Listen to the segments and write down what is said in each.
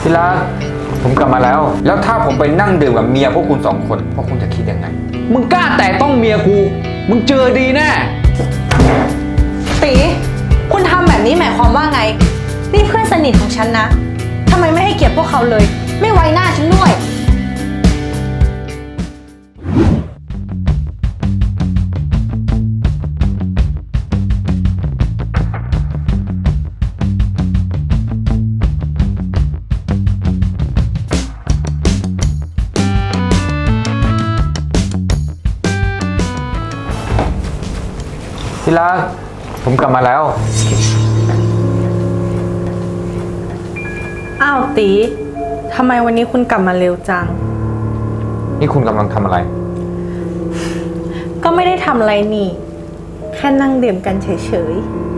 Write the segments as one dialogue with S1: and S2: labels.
S1: ที่รักผมกลับมาแล้วถ้าผมไปนั่งดื่มกับเมียพวกคุณ2 คนพวกคุณจะคิดยังไง
S2: มึงกล้าแต่ต้องเมียกูมึงเจอดีแน่
S3: ตีคุณทำแบบนี้หมายความว่าไงนี่เพื่อนสนิทของฉันนะทำไมไม่ให้เกียรติพวกเขาเลยไม่ไว้หน้าฉันด้วย
S1: ที่รักผมกลับมาแล้ว
S3: อ้าวตีทำไมวันนี้คุณกลับมาเร็วจัง
S1: นี่คุณกำลังทำอะไร
S3: ก็ไม่ได้ทำอะไรนี่แค่นั่งดื่มกันเฉย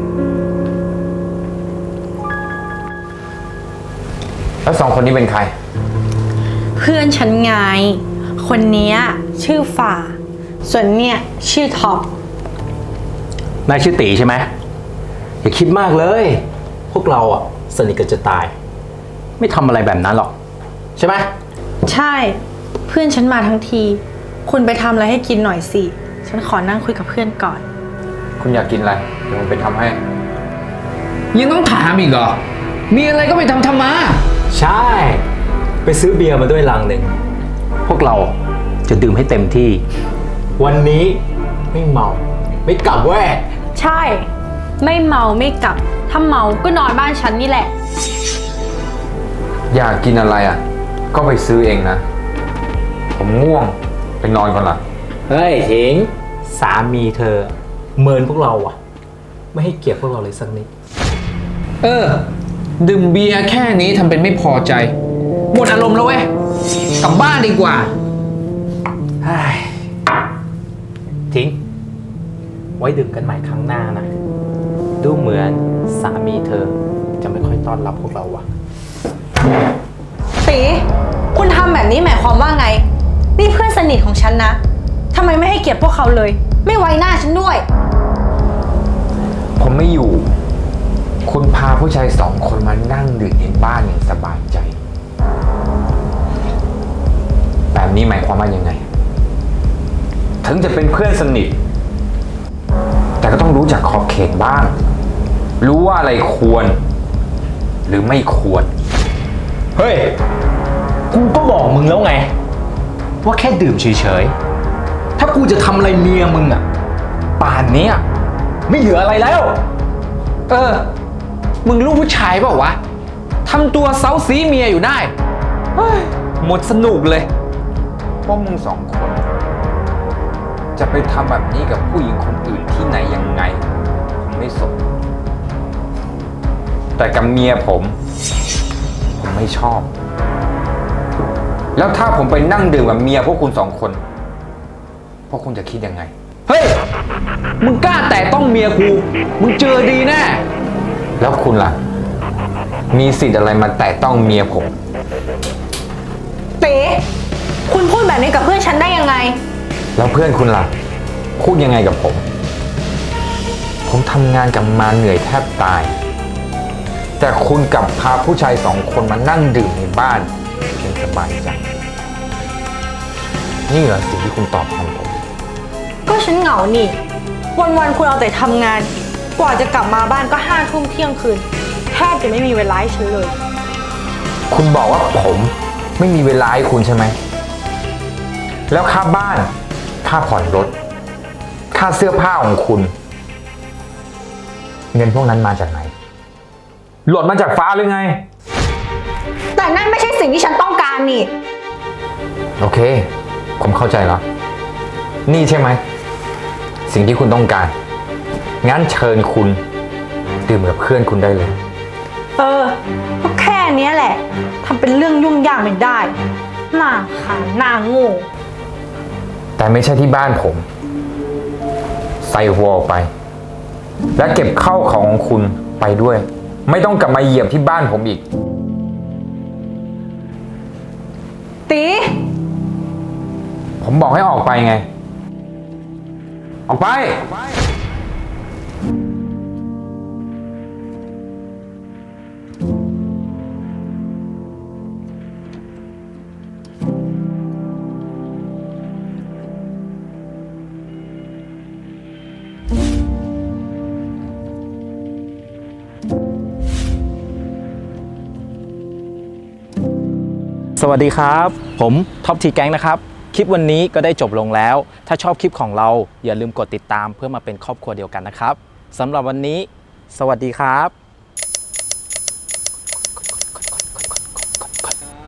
S1: แล้ว2 คนนี้เป็นใคร
S3: ๆเพื่อนฉันไงคนนี้ชื่อฝ่าส่วนเนี่ยชื่อท็อป
S2: นายชื่อตีใช่ไหมอย่าคิดมากเลยพวกเราอ่ะสนิทกันจะตายไม่ทำอะไรแบบนั้นหรอกใช่ไหม
S3: ใช่เพื่อนฉันมาทั้งทีคุณไปทำอะไรให้กินหน่อยสิฉันขอนั่งคุยกับเพื่อนก่อน
S1: คุณอยากกินอะไรเดี๋ยวผมไปทำให้
S2: ยังต้องถามอีกเหรอมีอะไรก็ไปทำมา
S4: ใช่ไปซื้อเบียร์มาด้วยลังหนึ่ง
S2: พวกเราจะดื่มให้เต็มที่
S4: วันนี้ไม่เมาไม่กลับแว่
S3: ใช่ไม่เมาไม่กลับถ้าเมาก็นอนบ้านฉันนี่แหละ
S1: อยากกินอะไรอ่ะก็ไปซื้อเองนะผมง่วงไปนอนก่อนละ
S4: เฮ้ยถิงสามีเธอเมินพวกเราอ่ะไม่ให้เกียรติพวกเราเลยสักนิด
S2: ดื่มเบียร์แค่นี้ทำเป็นไม่พอใจหมดอารมณ์แล้วเว้ยกลับบ้านดีกว่า
S4: ทิ้งไว้ดื่มกันใหม่ครั้งหน้านะดูเหมือนสามีเธอจะไม่ค่อยต้อนรับพวกเราว่ะ
S3: ตีคุณทำแบบนี้หมายความว่าไงนี่เพื่อนสนิทของฉันนะทำไมไม่ให้เกียรติพวกเขาเลยไม่ไว้หน้าฉันด้วย
S1: ผมไม่อยู่คุณพาผู้ชาย2 คนมานั่งดื่มในบ้านอย่างสบายใจแบบนี้หมายความว่ายังไงถึงจะเป็นเพื่อนสนิทแต่ก็ต้องรู้จักขอบเขตบ้างรู้ว่าอะไรควรหรือไม่ควร
S4: เฮ้ยกูก็บอกมึงแล้วไงว่าแค่ดื่มเฉยๆถ้ากูจะทำอะไรเมียมึงอ่ะป่านนี้ไม่เหลืออะไรแล้ว
S2: มึงลูกผู้ชายเปล่าวะทำตัวเซ้าซีเมียอยู่ได้หมดสนุกเลย
S1: พวกมึง2 คนจะไปทำแบบนี้กับผู้หญิงคนอื่นที่ไหนยังไงผมไม่สนแต่กับเมียผมไม่ชอบแล้วถ้าผมไปนั่งดื่มกับเมียพวกคุณ2 คนพวกคุณจะคิดยังไง
S2: เฮ้ยมึงกล้าแต่ต้องเมียกูมึงเจอดีแน่
S1: แล้วคุณล่ะมีสิทธิ์อะไรมาแต่ต้องเมียผม
S3: เต๋คุณพูดแบบนี้กับเพื่อนฉันได้ยังไง
S1: แล้วเพื่อนคุณล่ะพูดยังไงกับผมทำงานกับมาเหนื่อยแทบตายแต่คุณกลับพาผู้ชาย2 คนมานั่งดื่มในบ้านเพียงสบายใจนี่เหรอสิ่งที่คุณตอบแทนผม
S3: ก็ฉันเหงานี่วันๆคุณเอาแต่ทำงานกว่าจะกลับมาบ้านก็5 ทุ่มเที่ยงคืนแทบจะไม่มีเวลาให้ฉันเลย
S1: คุณบอกว่าผมไม่มีเวลาให้คุณใช่ไหมแล้วค่าบ้านค่าผ่อนรถค่าเสื้อผ้าของคุณเงินพวกนั้นมาจากไหนหล่นมาจากฟ้าหรือไง
S3: แต่นั่นไม่ใช่สิ่งที่ฉันต้องการนี่
S1: โอเคผมเข้าใจแล้วนี่ใช่ไหมสิ่งที่คุณต้องการงั้นเชิญคุณดื่มกับเพื่อนคุณได้เลย
S3: ก็แค่นี้แหละทำเป็นเรื่องยุ่งยากไม่ได้หน้าขาหน้าโง่
S1: แต่ไม่ใช่ที่บ้านผมใส่หัวออกไปและเก็บข้าวของคุณไปด้วยไม่ต้องกลับมาเหยียบที่บ้านผมอีก
S3: ตี
S1: ผมบอกให้ออกไปไงออกไป
S2: สวัสดีครับ ผมท็อปทีแก๊งนะครับ คลิปวันนี้ก็ได้จบลงแล้ว ถ้าชอบคลิปของเราอย่าลืมกดติดตามเพื่อมาเป็นครอบครัวเดียวกันนะครับสำหรับวันนี้ สวัสดีครับ